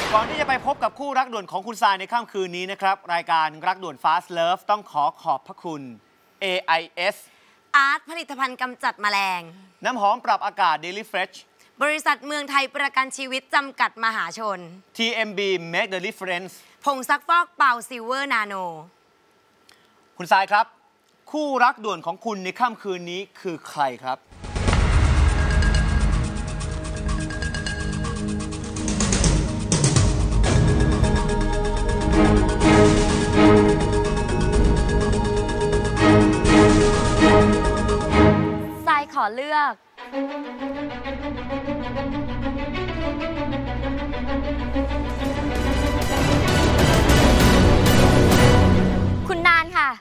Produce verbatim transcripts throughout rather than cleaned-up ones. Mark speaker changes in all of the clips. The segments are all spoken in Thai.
Speaker 1: ก่อนที่จะไปพบกับคู่รักด่วนของคุณทรายในค่ำคืนนี้นะครับรายการรักด่วน Fast Love ต้องขอขอบพระคุณ เอ ไอ เอส
Speaker 2: อาร์ตผลิตภัณฑ์กำจัดแมลง
Speaker 1: น้ำหอมปรับอากาศ Daily Fresh
Speaker 2: บริษัทเมืองไทยประกันชีวิตจำกัดมหาชน
Speaker 1: ที เอ็ม บี Make the Difference
Speaker 2: ผงซักฟอกเป่าซิลเวอร์นาโน
Speaker 1: คุณทรายครับคู่รักด่วนของคุณในค่ำคืนนี้คือใครครับ
Speaker 3: ทรายขอเลือกคุณนานค่ะ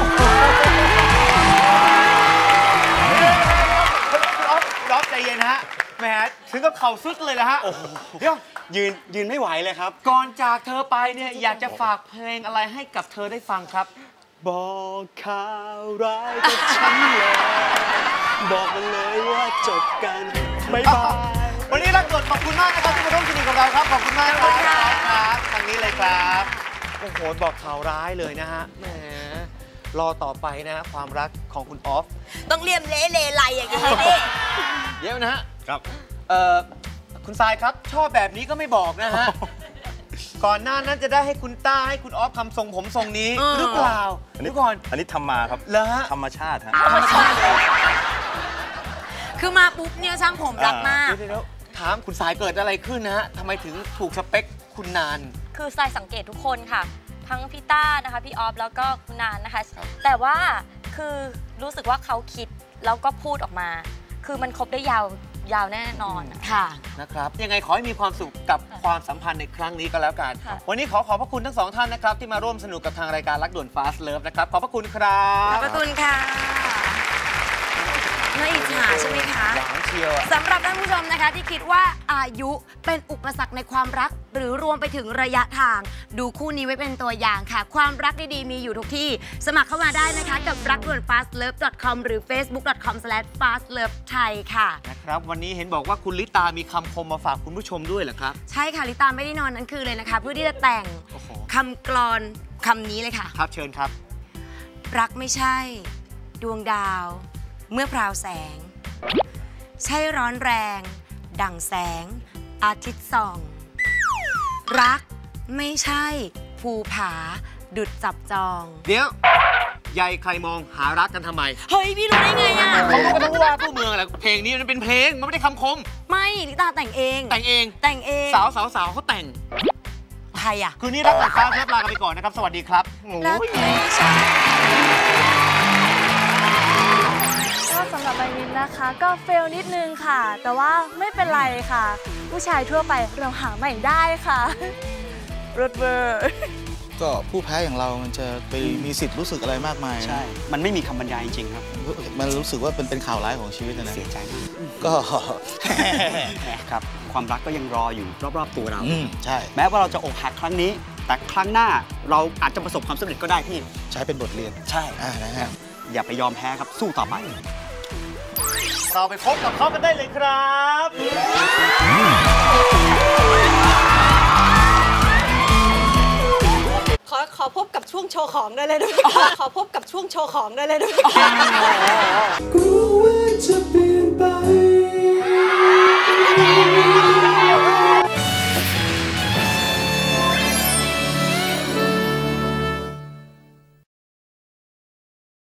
Speaker 1: คุณอ๊อฟอ๊อฟใจเย็นนะฮะแหมถึงกับเข่าซุดเลยนะฮะเดี๋ยว
Speaker 4: ยืนยืนไม่ไหวเลยครับ
Speaker 1: ก่อนจากเธอไปเนี่ยอยากจะฝากเพลงอะไรให้กับเธอได้ฟังครับ
Speaker 4: บอกข่าวร้ายกับฉันเลยบอกมันเลยว่าจบกันบ๊ายบาย
Speaker 1: วันนี้รักด่วนขอบคุณมากนะครับที่มาร่วมสนุกกับเราครับขอบคุณมากครับครับทางนี้เลยครับโอ้โหบอกข่าวร้ายเลยนะฮะแหมรอต่อไปนะฮะความรักของคุณออฟ
Speaker 2: ต้องเลี่ยมเละเลไลอย่างนี้นี่
Speaker 1: เดี๋ยวนะฮะ
Speaker 4: ครับ
Speaker 1: เอ่อคุณทรายครับชอบแบบนี้ก็ไม่บอกนะฮะก่อนหน้านั้นจะได้ให้คุณต้าให้คุณออฟทำทรงผมทรงนี้หรือเปล่า
Speaker 4: อันนี้ก่อนอันนี้ทำมาครับ
Speaker 1: เหรอฮะ
Speaker 4: ธรรมชาติฮะ
Speaker 2: ธรรมชาติคือมาปุ๊บเนี่ยช่างผมรักมาก
Speaker 1: เดี๋ยวถามคุณสายเกิดอะไรขึ้นนะฮะทำไมถึงถูกสเปคคุณนาน
Speaker 3: คือทรายสังเกตทุกคนค่ะทั้งพี่ต้านะคะพี่ออฟแล้วก็คุณนานนะคะแต่ว่าคือรู้สึกว่าเขาคิดแล้วก็พูดออกมาคือมันคบได้ยาวยาวแน่นอน
Speaker 2: ค่ะ
Speaker 1: นะครับยังไงขอให้มีความสุขกับความสัมพันธ์ในครั้งนี้ก็แล้วกันวันนี้ขอขอบพระคุณทั้งสองท่านนะครับที่มาร่วมสนุกกับทางรายการรักด่วน Fast Love นะครับขอบพระคุณครับ
Speaker 2: ขอบพระคุณค่ะน่าอิจฉาใช่ไหมคะสำหรับท่านผู้ชมนะคะที่คิดว่าอายุเป็นอุปสรรคในความรักหรือรวมไปถึงระยะทางดูคู่นี้ไว้เป็นตัวอย่างค่ะความรักดีๆมีอยู่ทุกที่สมัครเข้ามาได้นะคะกับรักด่วน ฟาสต์เลิฟ ดอท คอม หรือ เฟซบุ๊ก ดอท คอม สแลช ฟาสต์เลิฟ ไทย ค่ะ
Speaker 1: นะครับวันนี้เห็นบอกว่าคุณลิตามีคำคมมาฝากคุณผู้ชมด้วยเหรอครับ
Speaker 2: ใช่ค่ะลิตาไม่ได้นอนนั้นคือเลยนะคะเพื่อที่จะแต่งคำกลอนคำนี้เลยค่ะ
Speaker 1: ครับเชิญครับ
Speaker 2: รักไม่ใช่ดวงดาวเมื่อพราวแสงใช่ร้อนแรงดั่งแสงอาทิตย์ส่องรักไม่ใช่ภูผาดุดจับจอง
Speaker 1: เดี๋ยวใหญ่ใครมองหารักกันทำไม
Speaker 2: เฮ้ยพี่รู้ได้ไงอ่ะ
Speaker 1: เขาก็ต้องว่าผู้เมืองแหละเพลงนี้มันเป็นเพลงมันไม่ได้คำคม
Speaker 2: ไม่ลิตาแต่งเอง
Speaker 1: แต่งเอง
Speaker 2: แต่งเอง
Speaker 1: สาวสาวสาวเขาแต่ง
Speaker 2: ใครอ่ะ
Speaker 1: คืนนี้รักด่วน Fast ลากันไปก่อนนะครับสวัสดีครับ
Speaker 2: รักไม่ใช่
Speaker 3: ก็สำหรับใบมินนะคะก็เฟลนิดนึงค่ะแต่ว่าไม่เป็นไรค่ะผู้ชายทั่วไปเราหาใหม่ได้ค่ะรถเบอร์
Speaker 5: ก็ผู้แพ้อย่างเรามันจะไปมีสิทธิ์รู้สึกอะไรมากมาย
Speaker 4: ใช่มันไม่มีคำบรรยายจริงๆครับ
Speaker 5: มันรู้สึกว่าเป็นเป็นข่าวร้ายของชีวิตนะ
Speaker 4: เสียใจมาก
Speaker 5: ก็
Speaker 4: ครับความรักก็ยังรออยู่รอบๆตัวเรา
Speaker 5: ใช่
Speaker 4: แม้ว่าเราจะอกหักครั้งนี้แต่ครั้งหน้าเราอาจจะประสบความสำเร็จก็ได้ที่
Speaker 5: ใช้เป็นบทเรียน
Speaker 4: ใช่
Speaker 5: นะฮะ
Speaker 4: อย่าไปยอมแพ้ครับสู้ต่อไป
Speaker 1: เราไปพบกับเขากันได้เลยครับ
Speaker 6: ขอขอพบกับช่วงโชว์ของได้เลยด้วยขอพบกับช่วงโชว์ของได้เลยด้วย